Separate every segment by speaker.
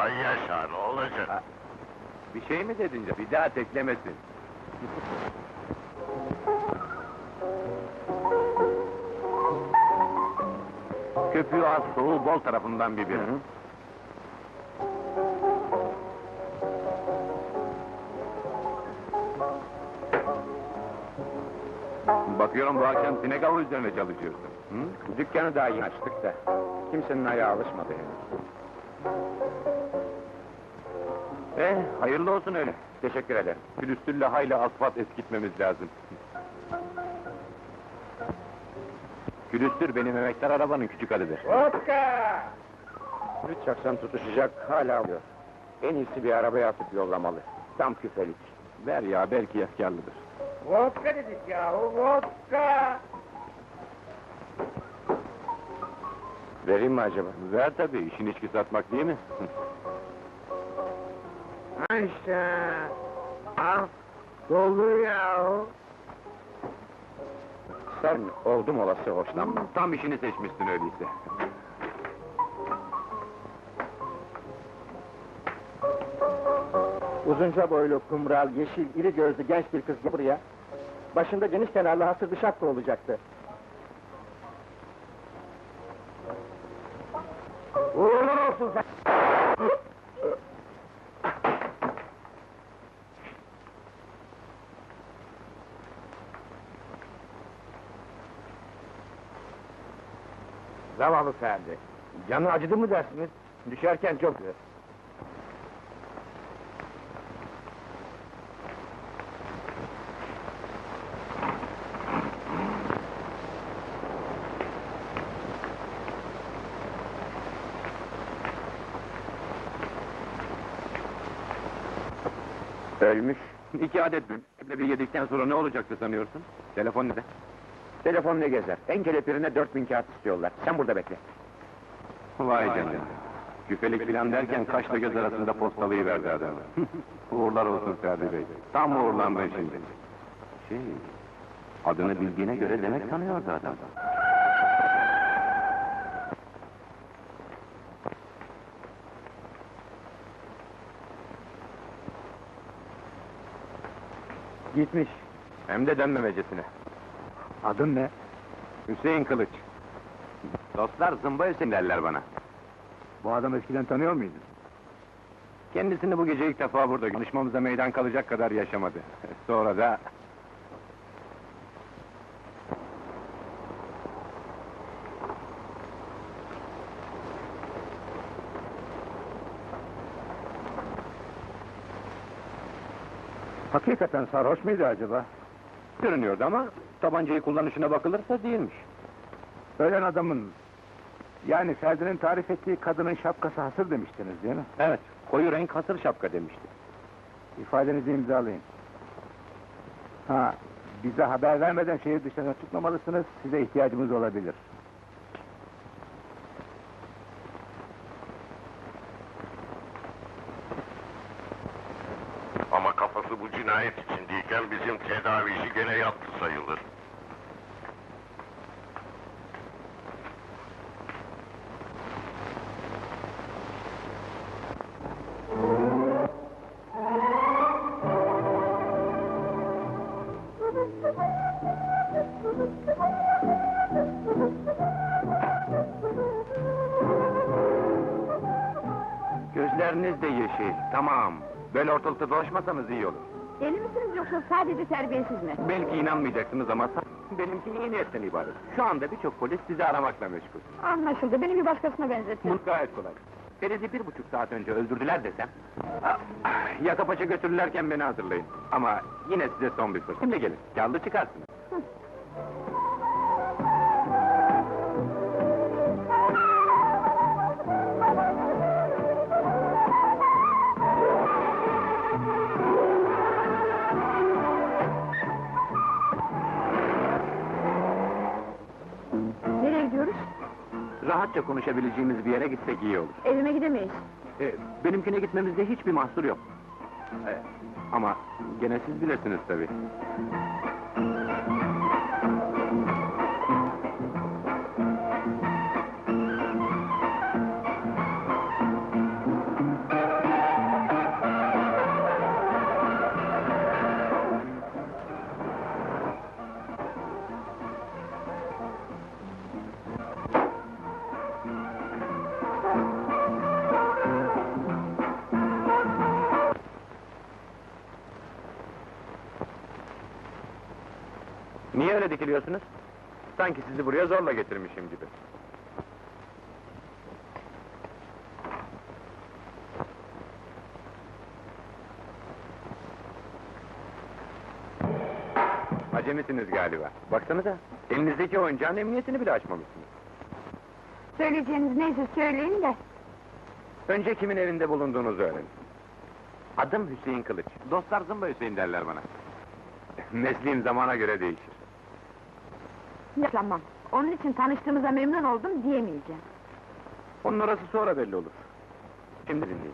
Speaker 1: Ay yaşa, ne olacak?
Speaker 2: Bir şey mi dedin? Bir daha teklemesin. Köpüğü az, soğuğu bol tarafından bir bira. Bakıyorum bu akşam sinek avı üzerine çalışıyorsun. Hı?
Speaker 3: Dükkanı daha yeni açtık da, kimsenin ayağı alışmadı henüz.
Speaker 2: Hayırlı olsun öyle.
Speaker 3: Teşekkür ederim.
Speaker 2: Külüstürle hayli asfalt eskitmemiz lazım. Külüstür benim emektar arabanın küçük adıdır.
Speaker 3: Vodka! Üç akşam tutuşacak, hala alıyor. En iyisi bir arabaya atıp yollamalı. Tam küfelik.
Speaker 2: Ver ya, belki efkarlıdır.
Speaker 3: Vodka dedik yahu, vodka! Vereyim mi acaba?
Speaker 2: Ver tabii, işin içki satmak değil mi?
Speaker 3: Ha işte! Al! Doldur yahu! Sen oldum olası hoşlanmam.
Speaker 2: Tam işini seçmişsin öyleyse.
Speaker 4: Uzunca boylu, kumral, yeşil, iri gözlü genç bir kız buraya. Başında geniş kenarlı hasır bir şapka olacaktı.
Speaker 3: Uğurlar olsun sen! Zavallı Ferdi. Canı acıdı mı dersiniz? Düşerken çok güzel. Ölmüş.
Speaker 2: 2 adet mi? Bir yedikten sonra ne olacaktı sanıyorsun? Telefon ne de?
Speaker 3: Telefon ne gezer? En kelepirine 4000 kağıt istiyorlar. Sen burada bekle.
Speaker 2: Vay canına! Küfelik filan derken kaşla göz arasında postalıyı verdi adamı. Uğurlar olsun Ferdi Bey. Tam uğurlandın şimdi. Adını bildiğine göre demek tanıyordu adam.
Speaker 4: Gitmiş.
Speaker 2: Hem de dönmemecesine.
Speaker 4: Adın ne?
Speaker 2: Hüseyin Kılıç. Dostlar zımba Hüseyin derler bana.
Speaker 4: Bu adamı eskiden tanıyor muydun?
Speaker 2: Kendisini bu gece ilk defa burada konuşmamıza meydan kalacak kadar yaşamadı. Sonra da...
Speaker 4: Hakikaten sarhoş muydu acaba?
Speaker 2: Görünüyordu ama tabancayı kullanışına bakılırsa değilmiş.
Speaker 4: Ölen adamın... Yani Ferdi'nin tarif ettiği kadının şapkası hasır demiştiniz değil mi?
Speaker 2: Evet, koyu renk hasır şapka demişti.
Speaker 4: İfadenizi imzalayın. Ha, bize haber vermeden şehir dışına çıkmamalısınız, size ihtiyacımız olabilir.
Speaker 1: Ama kafası bu cinayet içindeyken bizim tedavici gene yattı sayılır.
Speaker 2: Gözleriniz de yeşil, tamam. Böyle ortalıkta dolaşmasanız iyi olur.
Speaker 5: Deli misiniz yoksa sadece terbiyesiz mi?
Speaker 2: Belki inanmayacaksınız ama benimki iyi niyetten ibaret. Şu anda birçok polis sizi aramakla meşgul.
Speaker 5: Anlaşıldı, beni bir başkasına benzettin.
Speaker 2: Bu gayet kolay. Ferid'i 1,5 saat önce öldürdüler desem... Yaka paça götürürlerken beni hazırlayın. Ama yine size son bir fırsat. Şimdi gelin, kârlı çıkarsınız.
Speaker 5: Nereye gidiyoruz?
Speaker 2: Rahatça konuşabileceğimiz bir yere gitsek iyi olur.
Speaker 5: Evime gidemeyiz.
Speaker 2: Benimkine gitmemizde hiçbir mahsur yok. Ama gene siz bilirsiniz tabii. çekiliyorsunuz? Sanki sizi buraya zorla getirmişim gibi. Acemisiniz galiba. Baksanıza, elinizdeki oyuncağın emniyetini bile açmamışsınız.
Speaker 5: Söyleyeceğiniz neyse söyleyin de.
Speaker 2: Önce kimin evinde bulunduğunuzu öğrenin. Adım Hüseyin Kılıç. Dostlar Zımba Hüseyin derler bana. Mesleğim zamana göre değişir.
Speaker 5: Yapamam. Onun için tanıştığımıza memnun oldum diyemeyeceğim.
Speaker 2: Onun orası sonra belli olur. Şimdi dinleyin.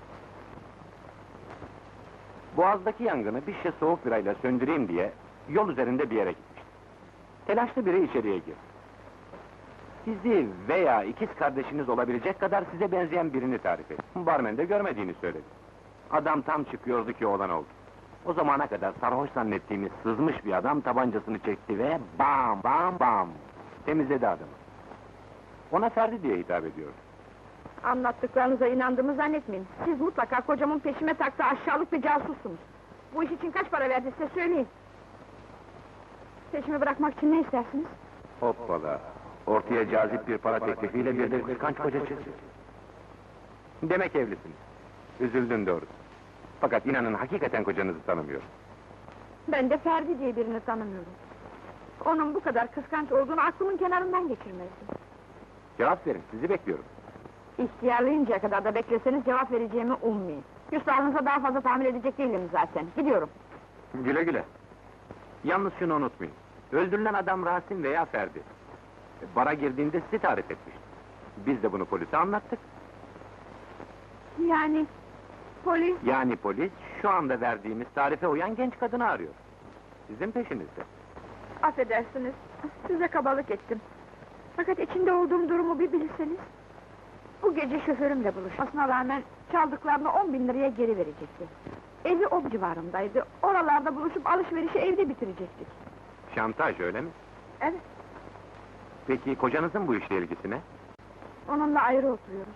Speaker 2: Boğaz'daki yangını bir şişe soğuk birayla söndüreyim diye yol üzerinde bir yere gitmiştim. Telaşlı biri içeriye girdi. Sizi veya ikiz kardeşiniz olabilecek kadar size benzeyen birini tarif etti. Barmen de görmediğini söyledi. Adam tam çıkıyordu ki olan oldu. O zamana kadar sarhoş zannettiğimiz sızmış bir adam tabancasını çekti ve bam bam bam temizledi adamı. Ona Ferdi diye hitap ediyordu.
Speaker 5: Anlattıklarınıza inandığımı zannetmeyin. Siz mutlaka kocamın peşime taktığı aşağılık bir casussunuz. Bu iş için kaç para verdi size söyleyin. Peşimi bırakmak için ne istersiniz?
Speaker 2: Hoppala! Ortaya cazip bir para teklifiyle bir de kıskanç koca çıktı. Demek evlisiniz. Üzüldün doğrusu. Fakat inanın hakikaten kocanızı tanımıyorum.
Speaker 5: Ben de Ferdi diye birini tanımıyorum. Onun bu kadar kıskanç olduğunu aklımın kenarından geçirmezdim.
Speaker 2: Cevap verin, sizi bekliyorum.
Speaker 5: İhtiyarlayıncaya kadar da bekleseniz cevap vereceğimi ummayın. Küslahınıza daha fazla tahammül edecek değilim zaten. Gidiyorum.
Speaker 2: Güle güle. Yalnız şunu unutmayın. Öldürülen adam Rasim veya Ferdi. Bara girdiğinde sizi tarif etmişti. Biz de bunu polise anlattık.
Speaker 5: Yani... Polis...
Speaker 2: Yani polis, şu anda verdiğimiz tarife uyan genç kadını arıyor. Sizin peşinizde.
Speaker 5: Affedersiniz, size kabalık ettim. Fakat içinde olduğum durumu bir bilseniz... Bu gece şoförümle buluşmasına rağmen çaldıklarını 10.000 liraya geri verecekti. Evi o civarındaydı, oralarda buluşup alışverişi evde bitirecektik.
Speaker 2: Şantaj öyle mi?
Speaker 5: Evet,
Speaker 2: Peki kocanızın bu işle ilgisi ne?
Speaker 5: onunla ayrı oturuyoruz.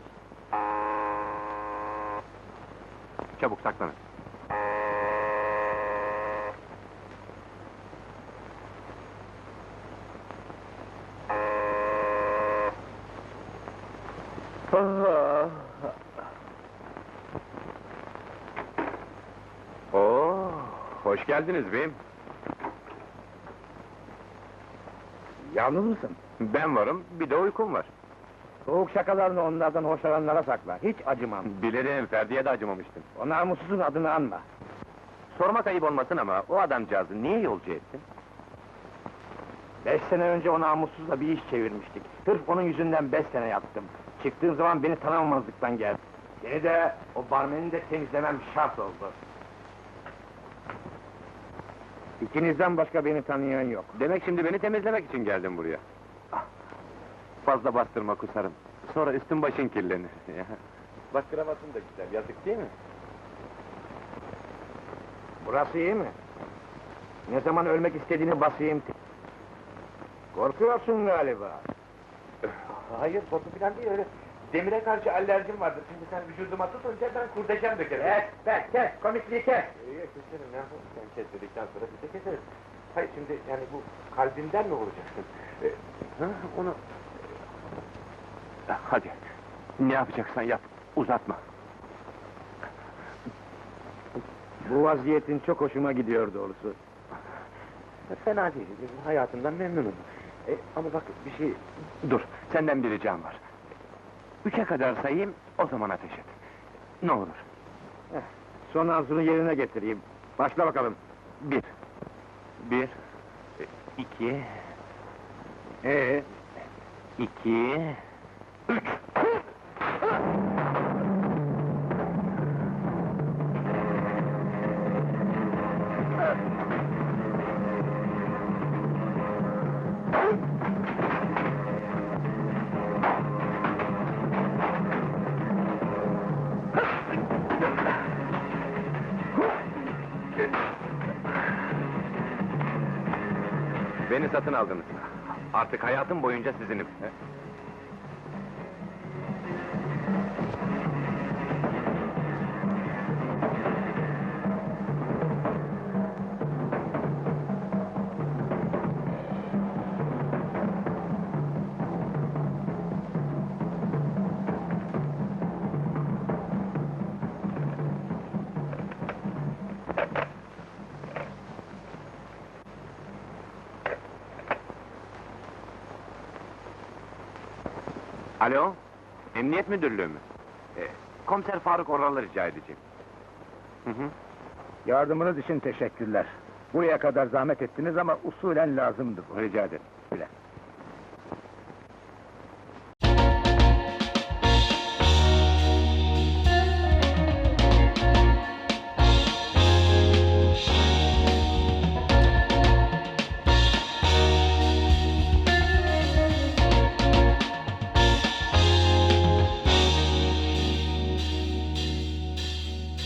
Speaker 2: Çabuk saklanın. Oo, hoş geldiniz beyim.
Speaker 4: Yalnız mısın?
Speaker 2: Ben varım, bir de uykum var.
Speaker 4: Soğuk şakalarını onlardan hoşlananlara sakla. Hiç acımam.
Speaker 2: Bilirim, Ferdi'ye de acımamıştım.
Speaker 4: O namussuzun adını anma.
Speaker 2: Sormak ayıp olmasın ama o adamcağızı niye yolcu ettin?
Speaker 4: 5 sene önce o namussuzla bir iş çevirmiştik. Sırf onun yüzünden 5 sene yattım. Çıktığım zaman beni tanımamazlıktan geldi. Seni de, o barmeni de temizlemem şart oldu. İkinizden başka beni tanıyan yok.
Speaker 2: Demek şimdi beni temizlemek için geldin buraya. Ah, fazla bastırma kusarım. Sonra üstün başın kirlenir. Bak kravatın da güzel, yazık değil mi?
Speaker 4: Burası iyi mi? Ne zaman ölmek istediğini basayım. Korkuyorsun galiba.
Speaker 2: Hayır, korku falan değil öyle. Demire karşı alerjim vardır. Şimdi sen vücuduma tutunca ben kurdeşen dökerim.
Speaker 4: Kes, komikliği kes!
Speaker 2: İyi, keserim ya. Sen kes dedikten sonra biz de keseriz. Hayır şimdi yani bu kalbimden mi vuracaksın? Onu... Hadi, ne yapacaksan yap, uzatma.
Speaker 4: Bu vaziyetin çok hoşuma gidiyor doğrusu.
Speaker 2: Fena değil, hayatımdan memnunum. Ama bak bir şey... Dur, senden bir ricam var. 3'e kadar sayayım, o zaman ateş et. Ne olur.
Speaker 4: Son arzunu yerine getireyim. Başla bakalım.
Speaker 2: 1, 2, 2, 3. Beni satın aldınız. Artık hayatım boyunca sizinim. Alo, Emniyet Müdürlüğü mü? Komiser Faruk Oral'ı rica edeceğim. Hı hı.
Speaker 3: Yardımınız için teşekkürler. Buraya kadar zahmet ettiniz ama usulen lazımdı bu.
Speaker 2: Rica ederim.
Speaker 3: Bile.